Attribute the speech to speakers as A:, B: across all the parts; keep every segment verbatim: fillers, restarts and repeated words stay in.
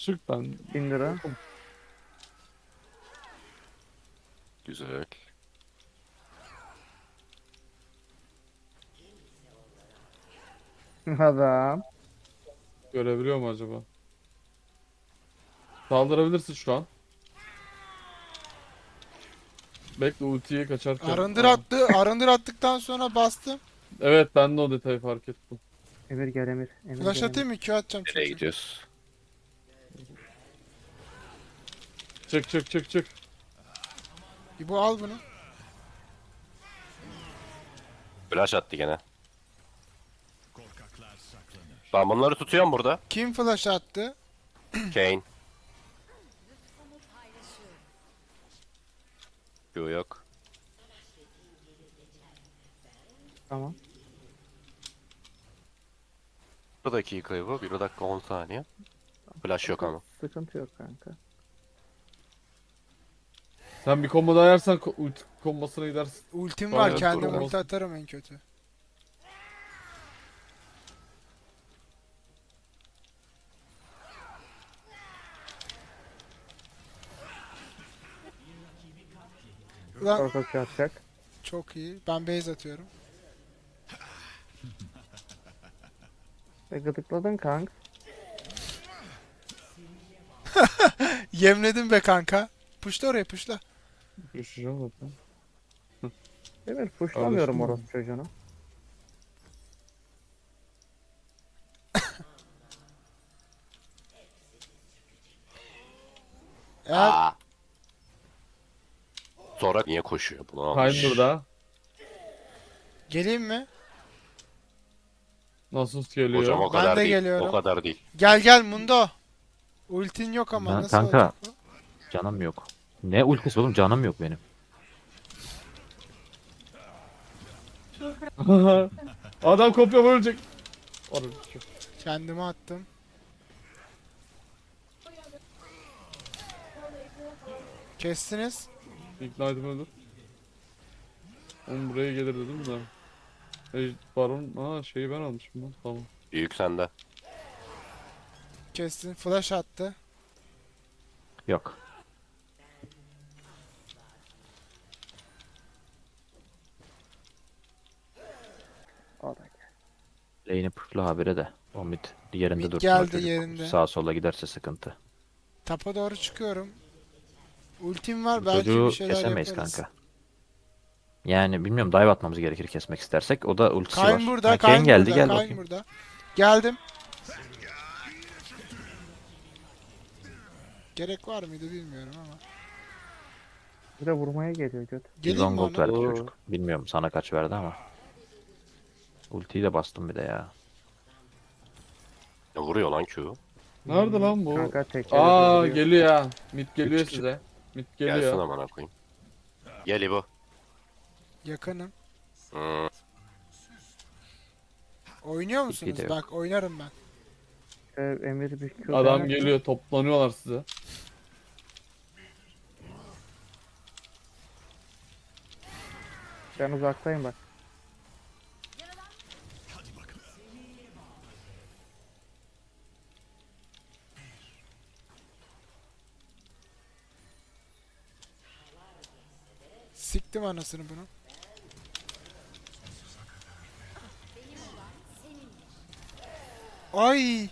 A: çık ben.
B: bin lira.
C: Güzel.
B: Adam.
A: Görebiliyor mu acaba? Saldırabilirsin şu an. Bekle ultiyi kaçarken.
D: Arındır
A: Aa.
D: attı. Arındır attıktan sonra bastım.
A: Evet ben de o detayı fark ettim.
B: Emir gel Emir. Emir
D: Flash
B: gel
D: atayım
B: Emir.
D: mı? Q atacağım
C: Nereye
D: çünkü.
C: gidiyoruz?
A: Çık çık çık çık.
D: İbo al bunu.
C: Flash attı gene. Ben bunları tutuyorum burada.
D: Kim flash attı?
C: Kane. Q yok.
B: Tamam.
C: Bir dakika bu. Bir dakika on saniye. Flash yok ama.
B: Sıkıntı yok kanka.
A: Sen bir combo daha yersen ko- ulti kombosuna gidersin.
D: Ultim
A: Tamam,
D: var.
A: evet,
D: Kendim
A: doğru.
D: ulti atarım en kötü. Ulan
B: Korkak atacak.
D: çok iyi. Ben base atıyorum.
B: E gıdıkladın kanka.
D: Yemledim be kanka. Puşla oraya puşla.
A: Düşeceğim zaten.
B: Emir puşlamıyorum
A: Alıştın mı?
B: orası çocuğunu.
D: Eğer
C: Aa. Sonra niye koşuyor? Bunu almış.
A: Kayn burada.
D: geleyim mi?
A: Nasıl geliyor?
C: Hocam o
D: Ben
C: kadar
D: de
C: değil.
D: geliyorum.
C: O kadar değil.
D: Gel gel Mundo. Ultin yok ama
E: Ben-
D: nasıl
E: kanka.
D: olacak bu?
E: Canım yok. Ne ultisi oğlum, canım yok benim.
A: Adam kopya ölecek. Orada çok.
D: Kendime attım. Kestiniz.
A: Ignite'ım öldür. Oğlum buraya gelir dedim de. E, baron, aa şeyi ben almışım lan. Tamam.
C: Büyük sende.
D: Kestin. Flash attı.
E: Yok.
B: O da gel.
E: Lane'i pushlu habire de. O mid yerinde
D: Mid
E: dursun o
D: geldi
E: çocuk.
D: yerinde.
E: Sağa sola giderse sıkıntı.
D: Tapa doğru çıkıyorum. Ultim var belki
E: Çocuğu
D: bir şeyler
E: kesemeyiz
D: yaparız.
E: kanka. Yani bilmiyorum, dive atmamız gerekir kesmek istersek. O da ultisi var.
D: Kayn burada,
E: Ha,
D: Kayn
E: Kayn geldi,
D: burada,
E: gel
D: Kayn
E: bakayım.
D: burada. Geldim. Gerek var mıydı bilmiyorum ama.
B: Bir de vurmaya geliyor göt.
D: Geleyim mi
E: yüz on gold
D: ona?
E: verdi
A: Oo.
E: çocuk. Bilmiyorum sana kaç verdi ama. Ultiyi de bastım bir de ya.
C: Ne vuruyor lan Q?
A: Nerede lan bu?
B: Kanka tekrar
A: Aa geliyor ya. Mid geliyor
E: Çık, çık.
A: size. Mid
C: Gelsin
A: geliyor.
C: amına koyayım. Gel İbo.
D: Yakınım.
C: Hmm.
D: Oynuyor musunuz?
E: de yok.
D: Bak oynarım ben.
B: Ee, Emir bir Q
A: Adam
B: dener.
A: geliyor. Toplanıyorlar size.
B: Ben uzaktayım bak.
D: Siktim anasını bunu. Ay!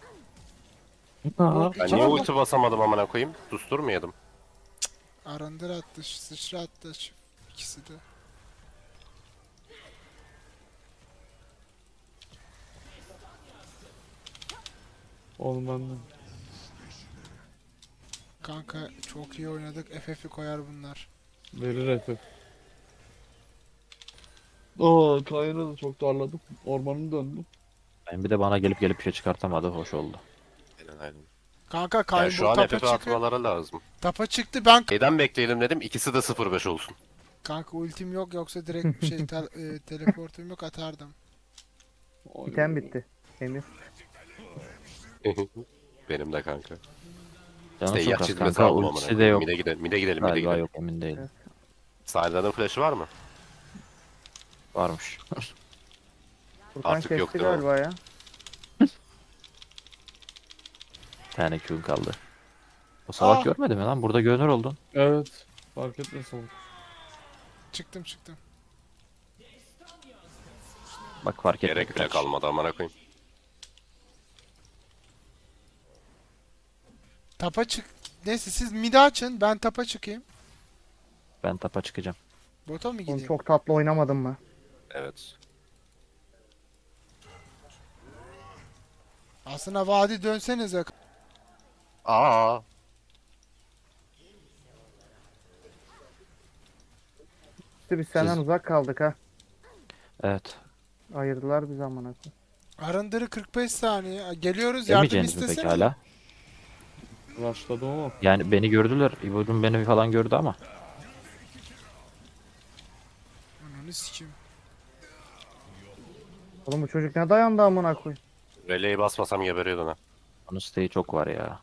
A: Aha.
C: Ben niye ulti basamadım amına koyayım? Susturmayalım.
D: Arındır attı, sıçra attı şu ikisi de.
A: Oğlum ben de.
D: Kanka çok iyi oynadık. F F'i koyar bunlar.
A: Verir Efe. Oo Kayn'ı da çok darladım. Ormanı döndüm.
E: Ben bir de bana gelip gelip bir şey çıkartamadı. Hoş oldu.
C: Aynen aynen.
D: Kanka
C: Yani
D: Kayn
C: şu
D: bu
C: an
D: tapa
C: F F
D: çıktı.
C: atmaları lazım.
D: Tapa çıktı ben.
C: Neden bekleyelim dedim. İkisi de sıfır beş olsun.
D: Kanka ultim yok yoksa direkt bir şey tel, e, teleportum yok atardım.
A: Oy.
B: İtem bitti. Emir.
C: Benim de kanka.
E: Canım
C: İşte
E: çok
C: yak
E: az
C: çizmesi
E: kanka.
C: aldım amına
E: Ultisi de
C: koyayım.
E: yok.
C: Mide gidelim, mide gidelim, mide
E: Galiba
C: gidelim.
E: yok, emin değilim.
C: Sayda'nın flash'ı var mı?
E: Varmış.
B: Furkan
C: Artık
B: kesti
C: yok değil mi?
B: galiba ya.
E: Bir tane Q'un kaldı. O salak
D: Ah!
E: görmedi mi lan? Burada görünür oldun.
A: Evet. Fark etmez oğlum.
D: Çıktım çıktım.
E: Bak fark etmedi.
C: Gerek bile
E: kaç.
C: kalmadı amına koyayım.
D: Tapa çık. Neyse siz mid açın, ben tapa çıkayım.
E: Ben tapa çıkacağım.
D: Bota mı
B: Oğlum
D: gideyim?
B: çok tatlı oynamadım mı?
C: Evet.
D: Aslında vadi dönsenize.
C: Aa.
B: İşte biz senden
E: Siz-
B: uzak kaldık ha.
E: Evet.
B: Ayırdılar bizi amına koyayım.
D: Arındırı kırk beş saniye. Geliyoruz, yardım
E: Demeyeceğiniz mi peki
D: istesene.
E: hala?
A: Başladım ama.
E: Yani beni gördüler. İbo'cum beni falan gördü ama.
D: Ananı sikeyim.
B: Oğlum bu çocuk ne dayandı amına koyayım.
C: Releyi basmasam geberiyordun ha.
E: Onun siteyi çok var ya.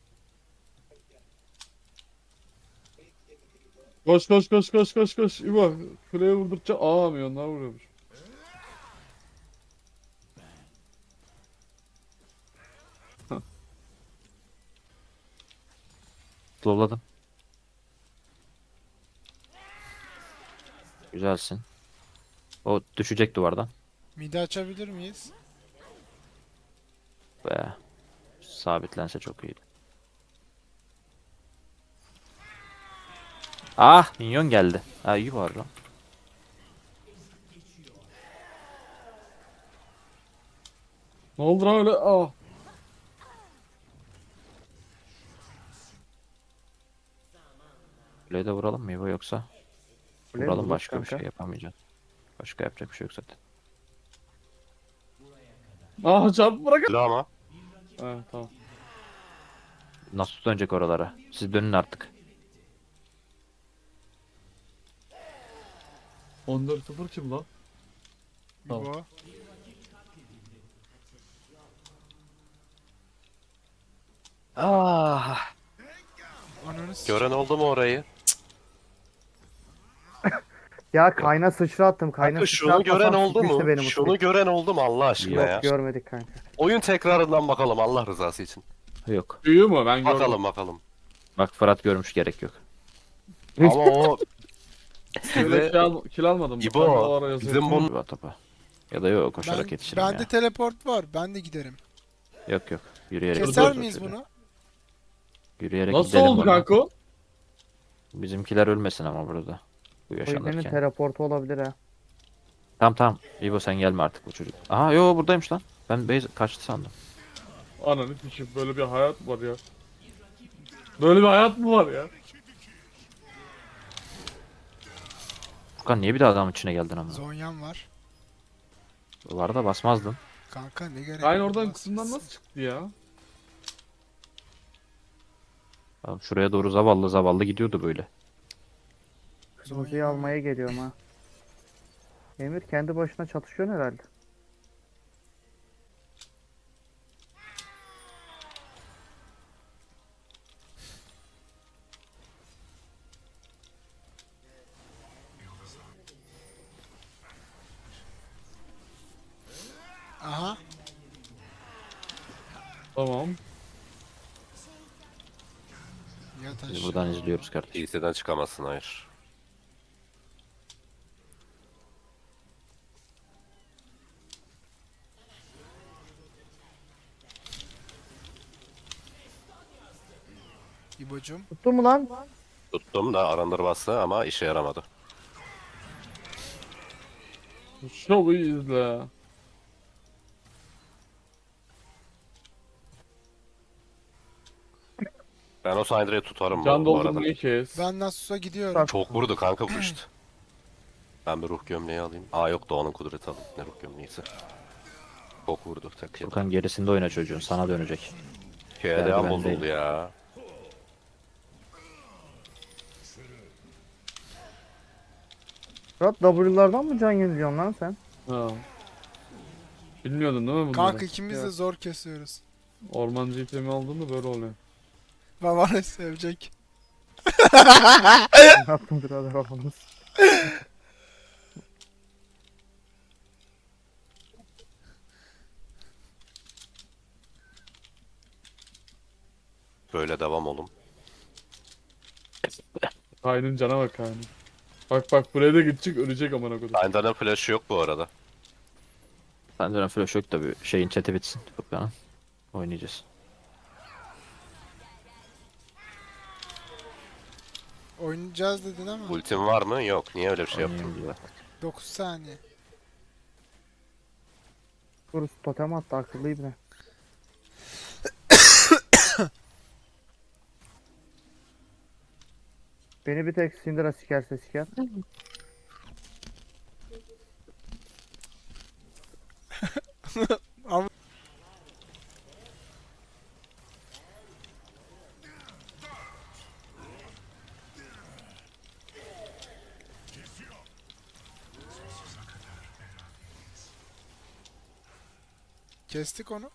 A: Koş koş koş koş koş koş. İbo. Kuleye vurdukça aa milyonlar vuruyormuş.
E: Slowladım. Güzelsin. O düşecek duvardan.
D: Midi açabilir miyiz?
E: Be. Sabitlense çok iyiydi. Ah, minyon geldi. Ha iyi var lan.
A: Ne oldu lan öyle? Aa.
E: Kuleyi de vuralım mı İbo yoksa?
B: Kuleye
E: Vuralım,
B: vururuz
E: başka bir
B: kanka.
E: şey yapamayacağız. Başka yapacak bir şey yok zaten.
A: Aa çarpı bırak.
C: Öyle ama.
A: He tamam.
E: Nasıl dönecek oralara? Siz dönün artık.
A: on dört sıfır kim lan? Tamam.
D: İbo.
E: Ah.
D: Ananı sikeyim.
C: Gören oldu mu orayı?
B: Ya kayna sıçra attım. Kayna
C: Kanka
B: sıçra
C: şunu gören
B: atmasam
C: oldu
B: sikmişti
C: mu?
B: benim
C: Şunu
B: ultiyi.
C: gören oldu mu Allah aşkına
E: Yok,
C: ya?
B: Görmedik kanka.
C: Oyun tekrarından bakalım Allah rızası için.
E: Yok.
A: Büyüğü mü? Ben gördüm.
C: Bakalım bakalım.
E: Bak Fırat görmüş, gerek yok.
C: Ama o
A: Öyle
C: size
A: kill, al kill almadım. mı?
C: İbo,
A: Ben de o ara yazıyordum.
C: bizim bunun-
E: İbo topa. Ya da yok, koşarak
D: Ben,
E: yetişirim
D: bende
E: ya.
D: teleport var. Ben de giderim.
E: Yok yok. Yürüyerek
D: Keser
E: gidelim
D: miyiz
E: şöyle.
D: bunu?
E: Yürüyerek
A: Nasıl
E: gidelim
A: oldu
E: bana.
A: kanka o?
E: Bizimkiler ölmesin ama burada. Bu
B: O yüzden
E: yaşanırken.
B: teleportu olabilir ha.
E: Tamam tamam. İbo sen gelme artık, bu çocuk. Aha yo buradaymış lan. Ben base kaçtı sandım.
A: Ananı sikeyim, böyle bir hayat mı var ya? Böyle bir hayat mı var ya?
E: Furkan niye bir daha adamın içine geldin ama?
D: Zonyam var.
E: Var da basmazdın.
D: Kanka ne gerek
A: Aynı
D: var,
A: oradan
D: bas-
A: kısımdan nasıl çıktı ya?
E: Oğlum şuraya doğru zavallı zavallı gidiyordu böyle.
B: Kırmızıyı
D: Zonyam var.
B: almaya geliyorum ha. Emir kendi başına çatışıyor herhalde.
D: Aha.
A: Tamam.
D: Yat
E: Biz
D: aşağı.
E: buradan izliyoruz kardeşim.
C: P C'den çıkamazsın hayır.
D: İbocum.
B: Tuttun mu lan?
C: Tuttum da arındır bastı ama işe yaramadı.
A: Şovu izle.
C: Ben o Syndra'yı tutarım
A: Can
C: bu, bu arada.
A: doldurmayı kes.
D: Ben Nasus'a gidiyorum.
B: Bak.
C: Çok vurdu kanka bu işte. Ben bir ruh gömleği alayım. Aa yok Doğan'ın kudreti alayım. Ne ruh gömleğiyse. Çok vurdu. Tek yedi.
E: Furkan gerisinde oyna çocuğun, sana dönecek.
C: K D
E: Geldi,
C: A
E: ben
C: bozuldu
E: değilim.
C: ya.
B: Fırat W'lardan mı can yeniliyorsun lan sen?
A: Ha. Bilmiyordun değil mi bunları?
D: Kanka ikimiz de
B: Evet.
D: zor kesiyoruz.
A: Ormancı itemi aldığında böyle oluyor.
D: Babanı sevecek.
B: Ne yaptın birader oğlumuz?
C: Böyle devam olun.
A: Kayn'ın cana bak Kayn'ın. Bak bak buraya da gidecek ölecek amına kodum.
C: Aynda'nın flash'ı yok bu arada.
E: Bende flash yok da bir şeyin chat'i bitsin. Furkan'ın. Oynayacağız.
D: Oynayacağız dedin ama
C: Ultim var mı? Yok. Niye öyle bir şey yaptın?
E: Oynayayım diyor.
D: dokuz saniye.
B: Burası totem attı akıllı ibne. Beni bir tek Syndra sikerse siker.
D: Kestik onu.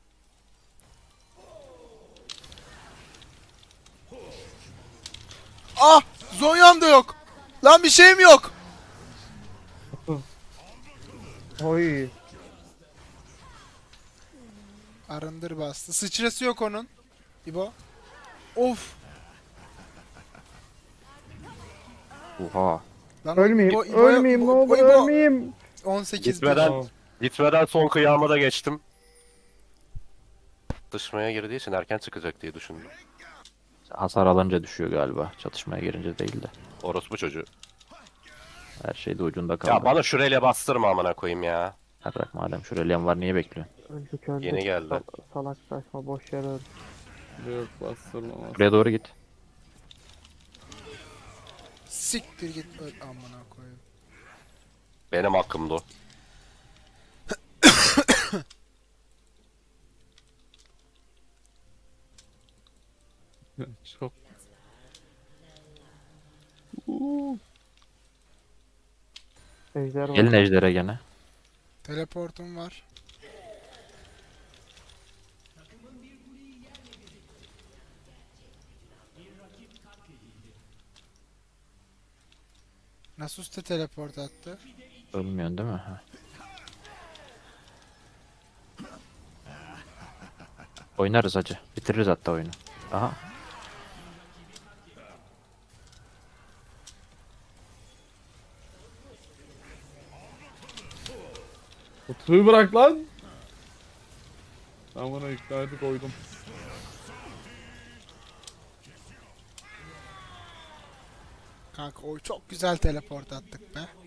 D: Ah! Zonya'm da yok. Lan bir şeyim yok.
B: Oy.
D: Arındır bastı. Sıçrası yok onun. İbo. Of.
E: Oha.
D: Lan
B: Ölmeyeyim.
D: İbo- İbo'ya-
B: ölmeyeyim ne
D: İbo-
B: olur
D: İbo-
B: ölmeyeyim.
D: on sekiz bin.
C: Gitmeden,
A: Aa,
C: gitmeden son kıyama da geçtim. Dışmaya girdiği için erken çıkacak diye düşündüm.
E: Hasar alınca düşüyor galiba. Çatışmaya girince değil de.
C: Orospu çocuğu.
E: Her şey de ucunda kaldı.
C: Ya bana şurayla bastırma amına koyayım ya.
E: Ha bırak madem şuraya var niye bekliyorsun?
B: Öldük öldük.
C: Yeni geldi.
B: Sal- salak saçma boş yer öldü.
A: yok bastırma bastırma.
E: Buraya doğru git.
D: Siktir git öl amına koyayım.
C: Benim hakkımdı o.
A: Çok. Uuu.
B: Ejder var.
E: Gelin ejdere gene.
D: Teleportum var. Nasus da teleport attı.
E: Ölmüyorsun değil mi? Ha. Oynarız hacı. Bitiririz hatta oyunu. Aha.
A: Kutuyu bırak lan. Ben buna ignite'ı koydum.
D: Kanka o çok güzel teleport attık be.